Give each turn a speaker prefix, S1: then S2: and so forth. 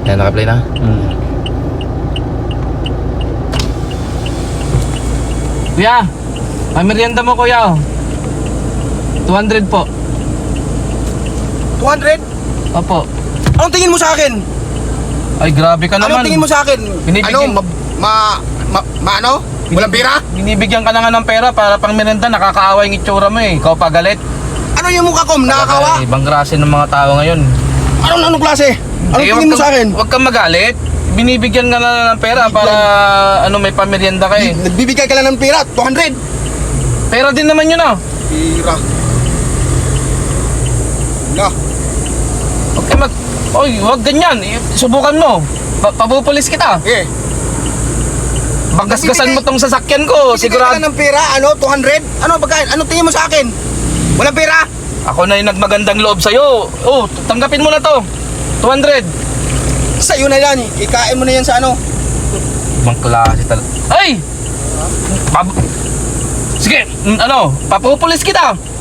S1: Yan, naka-play na. Kuya, may merienda mo kuya. 200 po.
S2: 200?
S1: Opo.
S2: Anong tingin mo sa akin?
S1: Ay, grabe ka naman.
S2: Anong tingin mo sa akin?
S1: Binibigyan-
S2: Ano? Walang pira?
S1: Binibigyan ka na nga ng pera para pang merienda. Nakakaawa yung itsura mo eh. Ikaw pa galit.
S2: Ano yung mukha ko? Nakakawa?
S1: Ibang klase ng mga tao ngayon.
S2: Anong klase? Anong
S1: Eh,
S2: tingin mo sa akin?
S1: Huwag kang magalit. Binibigyan ka na ng pera para may pamerienda ka eh.
S2: Nagbibigay ka lang ng pira, 200.
S1: Pera din naman yun ah.
S2: Pira. Na.
S1: Huwag ka Oy, huwag ganyan. Subukan mo. Papupulis kita.
S2: Eh.
S1: Bagasgasan mo tong sasakyan ko.
S2: Sigurado.
S1: Sigurado.
S2: Ng pira, 200? Ano pagkain? Ano tingin mo sa akin? Walang pira?
S1: Ako na yung nagmagandang loob sa'yo. Oh, tanggapin mo na to. 200.
S2: Sa'yo na yan. Ikain mo na yan sa ano.
S1: Ibang klase talaga. Ay! Sige, papupulis kita.